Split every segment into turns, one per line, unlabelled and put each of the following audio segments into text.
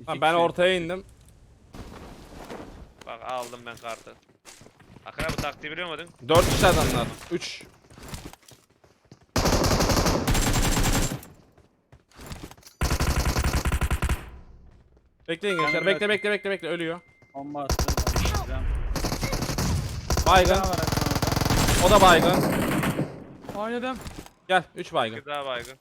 Ha, ben ortaya indim.
Bak aldım ben kartı. Akra bu taktiği biliyor muydun?
4 kişi adamlar. 3. Bekleyin gençler.
Ben
Bekle. Ölüyor.
Bomba attım. Bomba
Baygın.
var aklımda.
O da baygın.
Oynadım.
Gel. 3 baygın.
Bir daha baygın.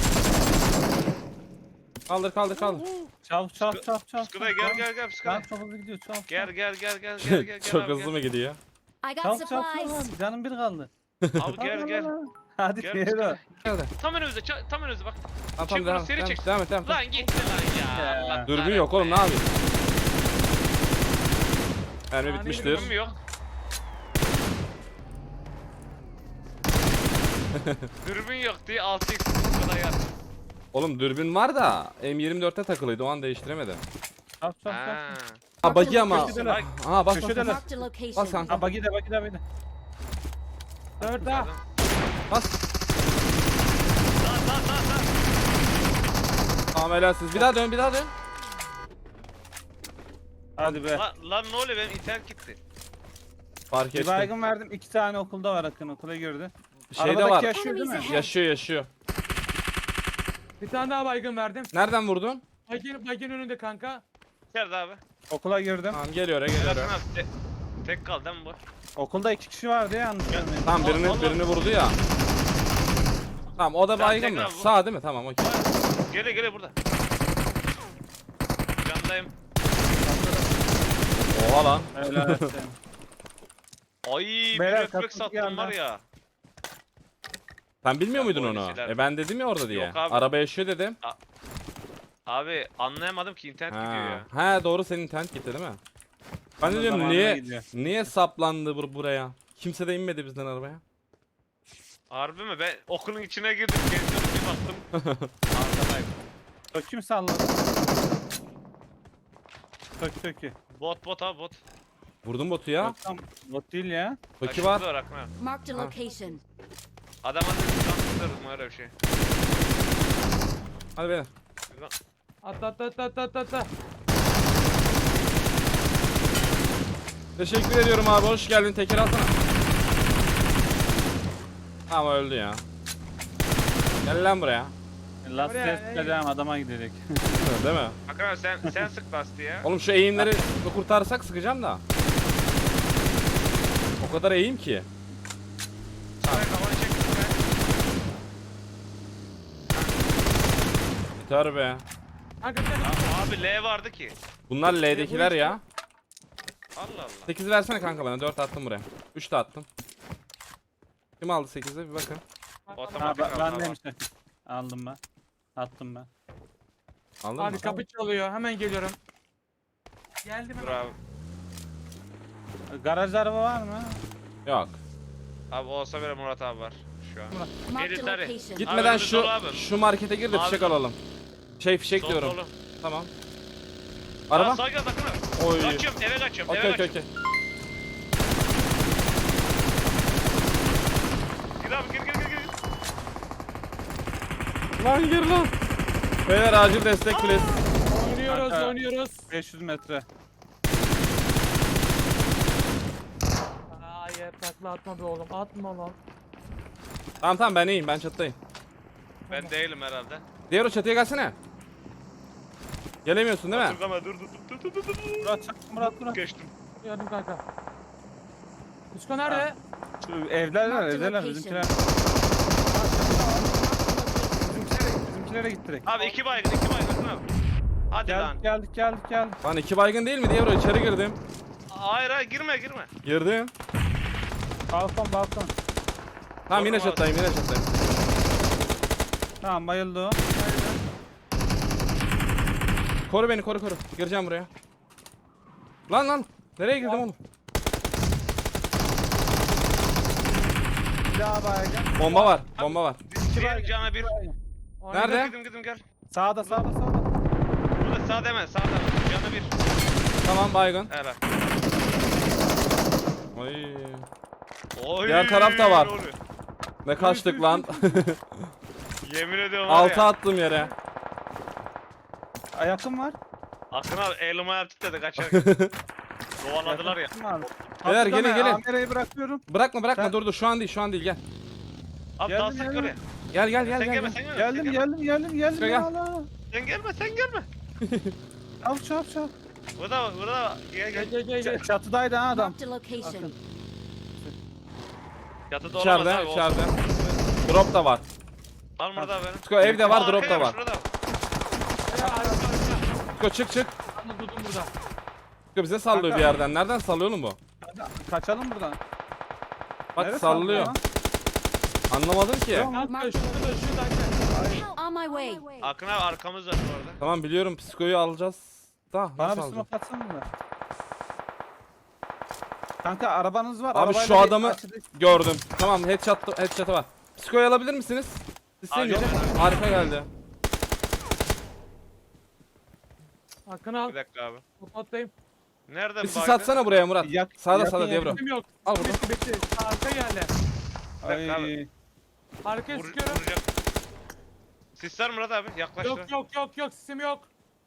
Kaldır.
Çabuk.
Pıskıda gel pıskıda.
Lan çok hızlı gidiyor çabuk.
Gel.
Çok
abi,
hızlı mı gidiyor?
I got
Çabuk
supplies.
canım bir kaldı.
Abi gel.
Hadi
Gel
diğeri
pıskıda.
o.
Geldi.
Tam önümüzde bak.
Tamam
Çek bunu,
devam.
seri çek.
Devam et.
Lan gitti lan ya.
Ya.
Allah
Dürbün yok oğlum, ne
kahretsin.
yapayım? Mermi
Yani
bitmiştir.
Dürbün mü yok? Dürbün yok diye 6x kadar yat.
Oğlum dürbün var da M24'te takılıydı, o an değiştiremedim.
Çabuk.
Ha.
Ha buggy ama.
Köşedeler.
Ha bas.
Köşedeler.
Marked a
Bas
location.
kanka.
Ha bagi de.
4 daha.
Bas.
Lan.
Tamam helalsiz. Bir daha dön.
Hadi be.
Lan ne oluyor, benim internet gitti.
Fark
Bir
ettim.
baygın verdim. 2 tane okulda var Akın. Okula girdi.
Şeyde
Arabadaki
var.
yaşıyor değil mi?
Yaşıyor.
Bir tane daha baygın verdim.
Nereden vurdun?
Baygın önünde kanka.
Nerede abi?
Okula girdim.
Tamam geliyor.
Yakın abi. Tek kaldı değil mi bu?
Okulda 2 kişi vardı ya yanlış görmeyeyim.
Tamam birini vurdu ya. Tamam o da
Tamam,
baygın mı?
tekrar vur.
Sağ değil mi? Tamam okey.
Gele burada. Candayım.
Oha lan.
Helal olsun.
Ay bir
Beyler,
refleks
kapı
attım
yandan.
var ya.
Sen bilmiyor
Ya,
muydun
bu
onu?
öyle
Ben dedim ya orada diye.
Yok abi.
Araba yaşıyor dedim.
Abi anlayamadım ki internet gidiyor ya.
Ha doğru, senin internet gitti değil mi? Ben de
Onun
diyorum
zamanına
niye
gidiyor.
niye saplandı buraya? Kimse de inmedi bizden arabaya.
Harbi mi? Ben okulun içine girdim. Geziyorum bir baktım. Arkadayım.
Kim salladı? Tökü.
Bot abi bot.
Vurdum botu ya.
Tam bot değil ya.
Toki
Aşırı
var.
Akma.
Marked a location.
Adam adı transfırdım öyle bir şey.
Hadi beyler.
Atla.
Teşekkür ediyorum abi. Hoş geldin. Teker alsana. Ama öldü ya. Gel lan buraya.
Last
Oraya,
test edeceğim adama gidecek.
Değil mi?
Akra sen sık bastı ya.
Oğlum şu eğimleri kurtarsak sıkacağım da. O kadar eğim ki.
Saray kafanı çek.
Yeter be.
Kanka sen
Abi L vardı ki.
Bunlar L'dekiler ya.
Allah Allah.
8 versene kanka bana. 4 attım buraya. 3 de attım. Kim aldı 8'i bir bakın.
Ha
Otomatik aldı
ben
abi.
demiş Akın. Aldım ben. Attım ben.
Aldın mı?
Abi kapı çalıyor. Hemen geliyorum. Geldim
Dur
hemen.
abi.
Garajda araba var mı?
Yok.
Abi olsa bile Murat abi var şu an.
Marked a
Military.
location.
Gitmeden
önümüz
şu
dolu abi.
şu markete gir de
Abi
fişek
dolu.
alalım. Fişek
Sol
diyorum.
dolu.
Tamam.
Aa,
Araba.
sağa gel bakın.
Oy.
Kaçıyorum eve kaçıyorum
Okey
eve
okey
kaçıyorum.
okey.
Gir abi gir.
Lan gir lan. Beyler acil destek please.
Oynuyoruz.
500 metre.
Hayır takla atma be oğlum. Atma lan.
Tamam ben iyiyim, ben çattayım.
Ben değilim herhalde.
Diğer o çatıya gelsene. Gelemiyorsun değil mi?
Dur ama dur.
Murat çak Murat.
Geçtim.
Yardım kanka. Usko nerede?
Şu evler var
Marked
evler
location.
bizimkiler. Bizimkilere git direkt.
Abi iki baygın abi. Hadi lan.
Geldik.
Lan 2 baygın değil mi? Diğer o içeri girdim.
Hayır girme.
Girdim.
Balkon.
Tamam yine
Doğru mu
çattayım.
Tamam bayıldı o.
Koru beni koru. Gireceğim buraya. Lan. Nereye girdim oğlum?
Bir daha baygın.
Bomba var.
Bir cana bir.
Nerede?
Gidim gel.
Sağda.
Burada sağ deme. Cana bir.
Tamam baygın.
Helal.
Ay.
Oy,
Diğer taraf da var.
ne oluyor?
Ne kaçtık lan.
Yemin ediyorum var
6
ya.
attım yere.
Yakın var.
Akın abi elime yaptık dedi kaçarken. Kovaladılar ya.
Yakın abi.
Beyler,
Kapıda
gelin,
ben
gelin.
Amera'yı bırakıyorum.
Bırakma
Sen-
dur şu an değil gel.
Abi
Geldim,
daha sık
geldim.
oraya.
Gel
Sen gelme
gel.
sen gelme.
Geldim
sen
geldim geldim geldim.
Gel.
Ya Allah.
Sen gelme.
Çabuk.
Burada bak. Gel.
Çatıdaydı ha adam.
Marked a location.
Yatıda olamaz abi.
İçeride.
Olsun.
Drop da var.
Al burada benim.
Sko evde var,
Aa,
drop da
arkaya
var.
şurada.
Sko çık.
Anla durdum burada.
Sko bize sallıyor
Kanka.
bir yerden. Nereden sallıyor oğlum bu?
Kaçalım buradan.
Bak
Nereye
sallıyor.
lan?
Anlamadım ki.
Kanka şurada.
On my way.
Akın abi arkamız var bu arada.
Tamam biliyorum, psikoyu alacağız. Da
Bana
nasıl
bir
alacağız?
smoke atsana mı? Kanka arabanız var.
Abi
arabayla
şu
bir
adamı
açıda-
gördüm. Tamam headshot'ı var. Psikoyu alabilir misiniz? İsteyince.
Abi, yok.
Harika geldi.
Hakkını al.
Bir dakika abi.
Patlayayım.
Nereden
Bir sis
baktın?
atsana buraya Murat. Sağda
yakın,
sağda diye bro.
Kim yok.
Al burada.
Bitti. Arka geldi.
dakika
Ay.
Arkaya sıkıyorum.
Vuracak. Sisler Murat abi yaklaş.
Yok sesim yok.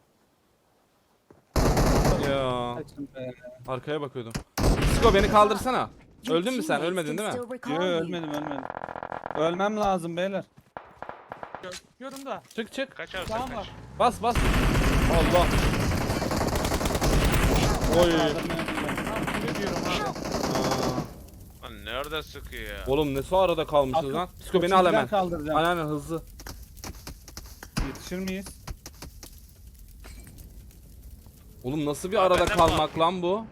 Ya
Kaçın be.
arkaya bakıyordum. Psiko beni kaldırsana.
Your
Öldün mü sen?
teammates
Ölmedin
can
değil mi?
still recall
Yo
you.
ölmedim. Ölmem lazım beyler.
Görüyorum da.
Çık.
Kaç abi
Tamam
sen
var.
kaç.
Bas. Allah. Oy.
Ne diyorum abi.
Aa.
Lan nerede sıkıyor ya?
Oğlum ne su arada kalmışız
Akın,
lan. Psiko beni al hemen.
Kaldıracağım.
Aynen hızlı.
Yetişir miyiz?
Oğlum nasıl bir
Abi
arada
benden
kalmak lan bu?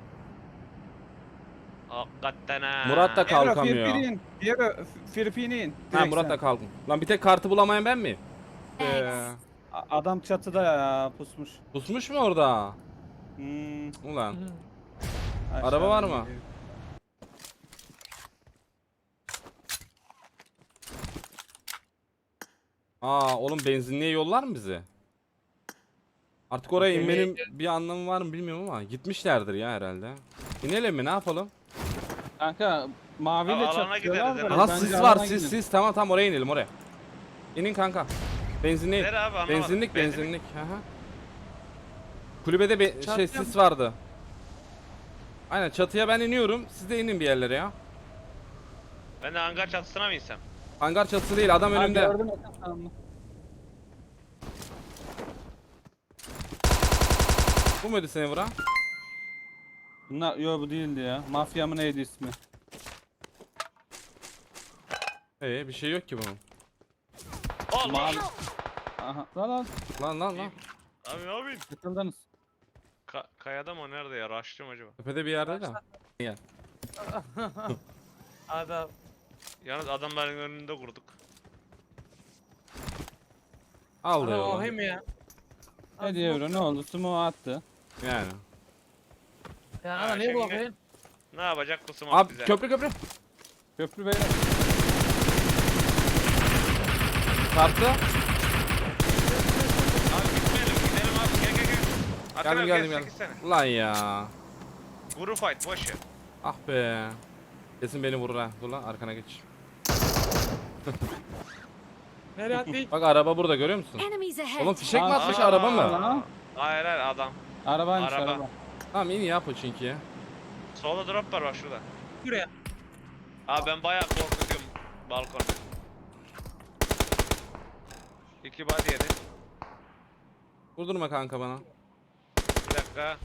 Hakikaten ha.
Murat da kalkamıyor.
Diğeri Filipin'in.
Ha Murat da kalkın. Lan bir tek kartı bulamayan ben miyim?
Thanks.
Adam çatıda ya pusmuş.
Pusmuş mu orada?
Hmm,
Ulan.
aşağı
Araba var mı?
geliyor.
Aa oğlum benzinliğe yollar mı bizi? Artık oraya
Okey.
inmenin bir anlamı var mı bilmiyorum ama gitmişlerdir ya herhalde. İnelim mi ne yapalım?
Kanka maviyle
Abi, alana
çatışıyorlar
gideriz
da
herhalde.
Aha
bence
sis var
alana gidin.
sis tamam oraya inelim oraya. İnin kanka. Benzinliğe.
Nere abi anlamadım.
Benzinlik. Aha. Kulübede
Çatıya
sis vardı. Aynen çatıya ben iniyorum. Siz de inin bir yerlere ya.
Ben de hangar çatısına mı insem?
Hangar çatısı değil adam
Ha,
önümde.
gördüm yakın sandım.
Bu muydu seni vuran?
Bunlar yo bu değildi ya. Mafya mı neydi ismi?
Bir şey yok ki bunun.
Allah.
Mavi. Aha lan
Lan.
Abi ne yapayım?
yakındanız.
Kayada mı nerede ya? Raştım acaba?
Tepede bir yerde de. Gel.
Adam.
Yalnız adamların önünde kurduk.
Al
Ana
diyor.
o hem ya.
Ne diyor ne oldu? Sumo attı.
Yani.
Ya
Ha,
ana niye
şimdi-
bakayım?
Ne yapacak bu smoke
Abi
bize?
köprü.
Köprü beyler.
Çarptı.
Abi gidelim abi gel. Akın abi
Geldim.
çekilsene.
Lan ya.
Guru fight boş ver.
Ah be. Kesin beni vurur ha. Dur lan arkana geç.
Nereye atlayayım?
Bak araba burada görüyor musun?
Enemies ahead.
Oğlum fişek mi
Aa,
atmış
aa,
araba mı?
Aa.
Hayır adam.
Arabaymış
Araba.
araba.
Tamam in ya Pochinki'ye.
Solda drop var bak şurada.
Buraya.
Abi ben bayağı korkutuyorum balkonda. 2 body yedi.
Vurdurma kanka bana.
Bir dakika.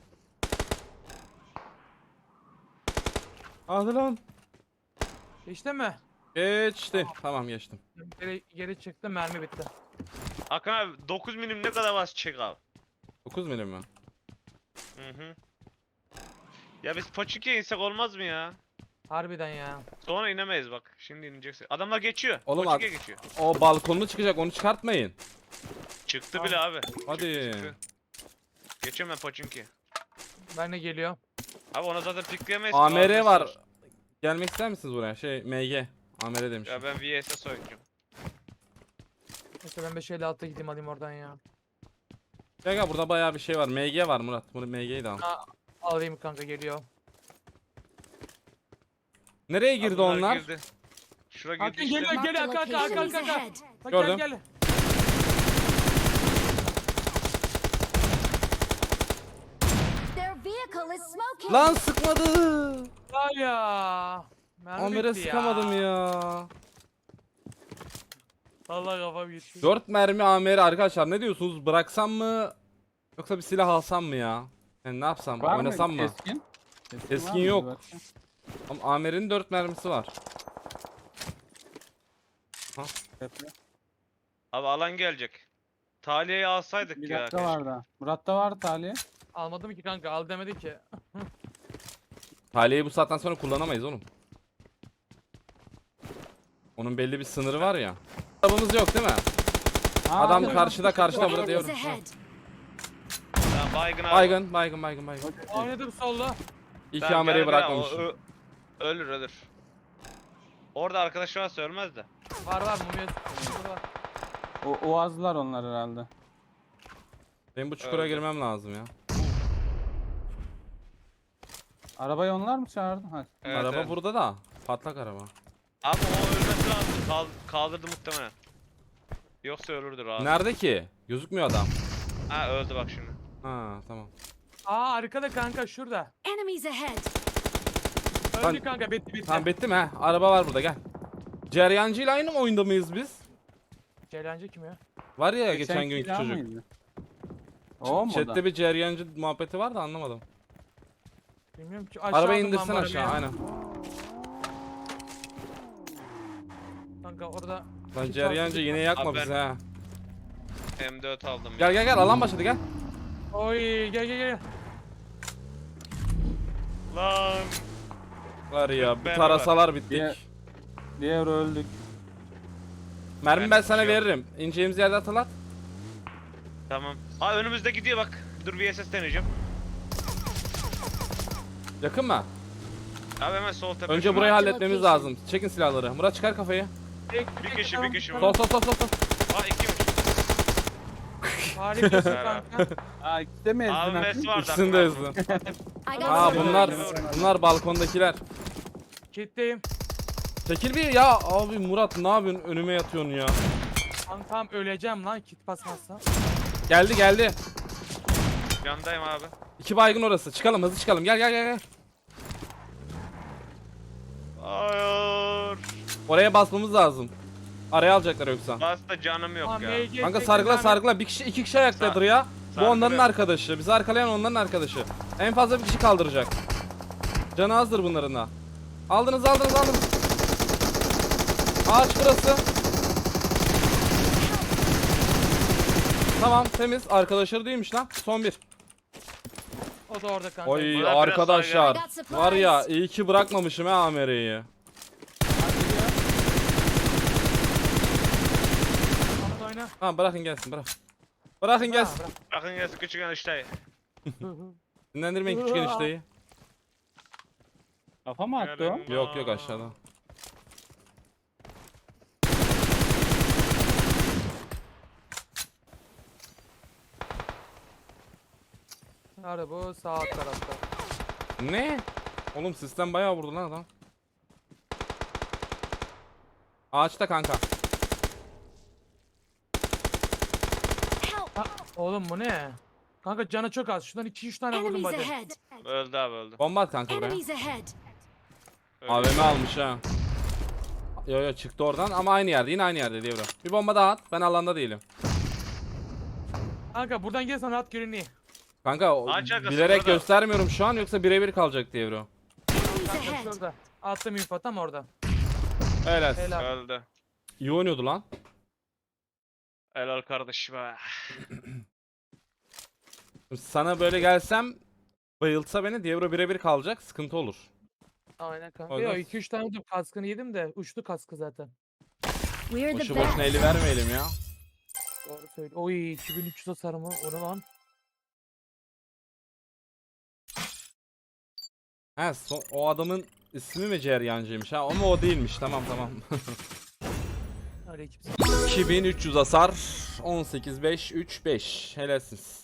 Hadi lan.
Geçti mi?
Geçti. Tamam geçtim.
Geri çıktı mermi bitti.
Akın abi 9 milim ne kadar bas çek abi.
9 milim mi?
Hı. Ya biz Pochinki'ye insek olmaz mı ya?
Harbiden ya.
Sonra inemeyiz bak. Şimdi ineceksin. Adamlar geçiyor.
Oğlum
Pochinki'ye geçiyor.
O balkonlu çıkacak onu çıkartmayın.
Çıktı bile abi.
Hadi.
Çıktı. Geçiyorum ben Pochinki'ye.
Ben de geliyorum.
Abi ona zaten pikleyemeyiz.
AMR
Ağzı
var.
sar.
Gelmek ister misiniz buraya? MG. AMR demiş.
Ya ben VS'e oynayacağım.
Neyse ben 556 gideyim alayım oradan ya.
Gel burada bayağı bir şey var. MG var Murat. Bunu MG'yi de al.
Alayım kanka geliyor.
Nereye girdi
Abi bunlar
onlar?
girdi. Şura girdi
Hakan
işte.
geliyor.
Marked a
Hakan.
location. Enemies ahead.
Bak
Gördüm.
gel.
location.
Lan sıkmadı.
Var ya. Mermi
Amer'e
bitti
sıkamadım ya.
Allah kafam gitti.
4 mermi Amer'e arkadaşlar, ne diyorsunuz? Bıraksam mı? Yoksa bir silah alsam mı ya? Yani ne yapsam?
Var
Oynasam mı?
Keskin?
Keskin
var mı?
yok.
Bir bakayım.
Ama Amer'in 4 mermisi var.
Tepe.
Abi alan gelecek. Taliye'yi alsaydık
Bir
ya.
dakika
keşke.
var da. Murat'ta var Taliye.
Almadım ki kanka, al demedi ki.
Taliyeyi bu saatten sonra kullanamayız oğlum. Onun belli bir sınırı var ya. Arabamız yok değil mi? Adam
yok.
karşıda burada
Enemies
diyorum.
ahead.
Tamam, baygın abi.
Baygın.
Oynadım solda.
İki
Tamam,
Amer'i
gel buraya,
bırakmamışım.
Ölür. Orada arkadaş varsa ölmez de.
Var mumya. Burada var.
Oğazlar onlar herhalde.
Benim bu çukura
Öldü.
girmem lazım ya.
Arabayı onlar mı çağırdı? Hadi.
Evet,
Araba
evet.
burada da. Patlak araba.
Abi o ölmesi lazım. Kaldırdı muhtemelen. Yoksa ölürdür abi.
Nerede ki? Gözükmüyor adam.
Ha, öldü bak şimdi.
Ha tamam.
Aa arkada kanka, şurada.
Enemies ahead.
Öldü
Ben-
kanka, bitti.
Tamam bitti mi he? Araba var burada, gel. Ceryancı ile aynı mı oyunda mıyız biz?
Ceylancı kim ya?
Var ya geçen
Geçenki
günkü
silah
çocuk.
mıydı? O mu o da?
Chat'te bir ceryancı muhabbeti var da anlamadım.
Bilmiyorum ki. Aşağı
Arabayı
aldım lan
indirsen
bu
aşağı,
arabayı.
aynen.
Kanka orada.
Lan
Kit
ceryancı
var,
yine
kit
yakma
Abi
bizi
ben-
ha.
M4 aldım.
Gel alan başladı gel.
Oy gel.
Lan.
Var ya bir
Ben
tarasalar bittik.
Diğer öldük.
Mermi ben
Ben
sana
şey yok.
veririm. İneceğimiz yerde atılat.
Tamam. Aa, önümüzde gidiyor bak. Dur, VSS deneyeceğim.
Yakın mı?
Abi hemen sol tepe.
Önce
Şuna-
burayı
Marked
halletmemiz
location.
lazım. Çekin silahları. Murat çıkar kafayı.
Bir kişi
Sol.
Aa, ikiymiş.
Harikasın
Beraber.
kanka.
Aa ikisi de mi ezdin?
Abi
Hakim?
mes vardı.
İkisini de ezdin.
I got
Aa
supplies.
bunlar balkondakiler.
Kitleyim.
Çekil bir ya abi, Murat ne yapıyorsun, önüme yatıyorsun ya.
Kankam öleceğim lan kit basmazsam.
Geldi.
Yandayım abi.
2 baygın orası. Çıkalım, hızlı çıkalım. Gel.
Hayır.
Oraya basmamız lazım. Araya alacaklar yoksa.
Basta canım yok
Tamam,
ya.
MG
Kanka
çektim
sargıla. Bir kişi 2 kişi ayaktadır ya. Bu onların
sargılıyorum.
arkadaşı. Bizi arkalayan onların arkadaşı. En fazla bir kişi kaldıracak. Canı azdır bunların da. Aldınız. Ağaç burası. Tamam temiz. Arkadaşları değilmiş lan. Son bir.
O da orada kanka.
Oy
Buna biraz
arkadaşlar.
saygı.
Var ya iyi ki bırakmamışım ha Amere'yi.
Onu oyna.
Ha bırakın gelsin bırak. Bırakın gelsin.
Ha,
Bakın gelsin küçük enişte.
bırak.
Dinlendirmeyin küçük enişteyi.
Kafa mı attı o?
Yok aşağıda.
Nerede bu? Sağ alt tarafta.
Ne? Oğlum sistem bayağı vurdu lan adam. Ağaçta kanka.
Help.
Oğlum bu ne? Kanka canı çok az. Şundan 2-3 tane vurdum
Enemies
hadi.
ahead.
Öldü abi, öldü.
Bomba at kanka buraya.
Enemies ahead.
Öldü.
AVM almış ha. Yo çıktı oradan ama aynı yerde, yine aynı yerde diye bro. Bir bomba daha at, ben alanda değilim.
Kanka buradan gelsen rahat görünüyor.
Kanka
Ağaç arkası
bilerek
burada.
göstermiyorum şu an, yoksa birebir kalacak diye bro.
Enemies
Kanka
ahead.
şurada. Attım info tam orada.
Helal.
Helal.
Öldü.
İyi oynuyordu lan.
Helal kardeşim be.
Sana böyle gelsem, bayıltsa beni, Diablo birebir kalacak, sıkıntı olur.
Aynen kanka.
Oynar.
Yo 2-3 tane vurdum. Kaskını yedim de uçtu kaskı zaten.
We're the
Boşu boşuna
best.
eli vermeyelim ya.
Doğru söyle. Oy 2300 hasar mı? O ne lan?
He o adamın ismi mi Ceryancıymış ha, ama o değilmiş, tamam.
Aleyküm.
2300 hasar, 18-5-3-5, helalsiniz.